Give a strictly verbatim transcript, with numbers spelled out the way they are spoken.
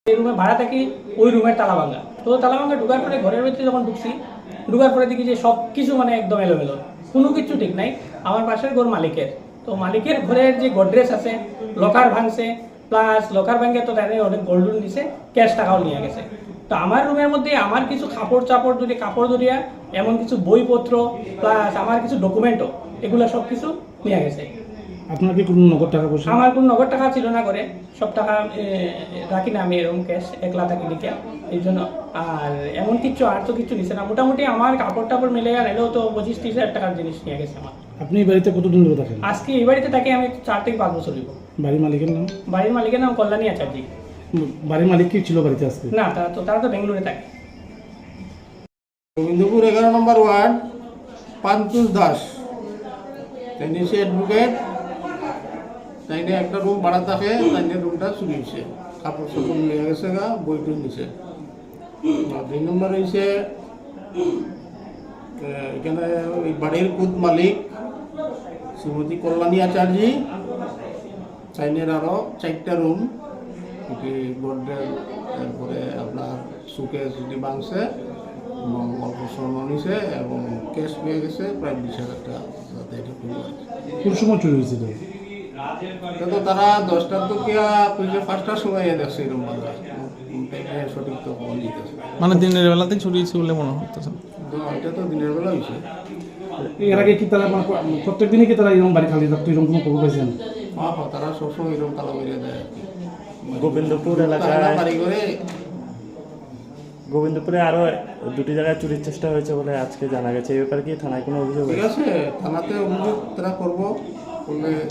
এই রুমে ভাড়া থাকি, ওই রুমের তালা ভাঙা। তো তালা ভাঙা ঢুকার পরে ঘরের ভিতরে যখন ঢুকছি, ঢুকার পরে দেখি যে সব কিছু মানে একদম এলোমেলো, কোনো কিছু ঠিক নাই। আমার পাশের ঘর মালিকের, তো মালিকের ঘরের যে গোডরেজ আছে, লকার ভাঙছে, প্লাস লকার ভাঙে তো তাদের অনেক গোল্ডন দিছে, ক্যাশ টাকাও নিয়ে গেছে। তো আমার রুমের মধ্যে আমার কিছু কাপড় চাপড় যদি কাপড় ধরিয়া এমন কিছু বইপত্র প্লাস আমার কিছু ডকুমেন্টও, এগুলো সব কিছু নিয়ে গেছে। আপনার কি কোনো নগদ টাকা পয়সা? আমার কোনো নগদ টাকা ছিল না, করে সব টাকা এ, রাখি না আমি এরকম ক্যাশ, একলা থাকি দিকে এই জন্য। আর এমন কিছু আর তো কিছু নিছে না, মোটামুটি আমার কাপড় টাপড় মিলে আর এলেও তো পঁচিশ ত্রিশ হাজার টাকার জিনিস নিয়ে গেছে আমার। আপনি এই বাড়িতে কতদিন ধরে থাকেন? আজকে এই বাড়িতে থাকি আমি চার থেকে পাঁচ বছর হইব। বাড়ির মালিকের নাম? বাড়ির মালিকের নাম কল্যাণী আচার্যি। বাড়ির মালিক কি ছিল বাড়িতে আজকে? না, তারা তো তারা তো বেঙ্গলোরে থাকে। গোবিন্দপুর এগারো নম্বর ওয়ার্ড পান্তুষ দাস, তাই সে অ্যাডভোকেট, তাই একটা রুম ভাড়া থাকে, তাই রুমটা চুরি হয়েছে, কাপড় চাপড় নিয়ে গেছে গা, বইটুই নিছে। দুই নম্বর হয়েছে এখানে ওই বাড়ির কুদ মালিক শ্রীমতী কল্যাণী আচার্যি, চাইনের আরও চারটা রুম, গোডরেজ, তারপরে আপনার সুকেস যদি ভাঙছে এবং অল্প স্বর্ণ নিছে এবং ক্যাশ পেয়ে গেছে প্রায় বিশ হাজার টাকা। কোন সময় চুরি হয়েছিল? তো তারা দশটার তো কি পাঁচটার সময় দেখছে এরকম বাংলা, সঠিক তো ফোন দিতেছে, মানে দিনের বেলাতে চুরি হয়েছে বলে মনে হতেছে। তো এটা তো দিনের বেলা হয়েছে। এর আগে কি তারা প্রত্যেক দিনই কি তারা এরকম বাড়ি খালি থাকতো, এরকম কোনো খবর পাইছেন? হ্যাঁ হ্যাঁ, তারা সবসময় এরকম তালা বেরিয়ে দেয়। গোবিন্দপুর এলাকায় বাড়ি করে গোবিন্দপুরে আরো দুটি জায়গায় চুরির চেষ্টা হয়েছে বলে আজকে জানা গেছে। এই ব্যাপারে কি থানায় কোনো অভিযোগ? ঠিক আছে, থানাতে অভিযোগ তারা করবো করলে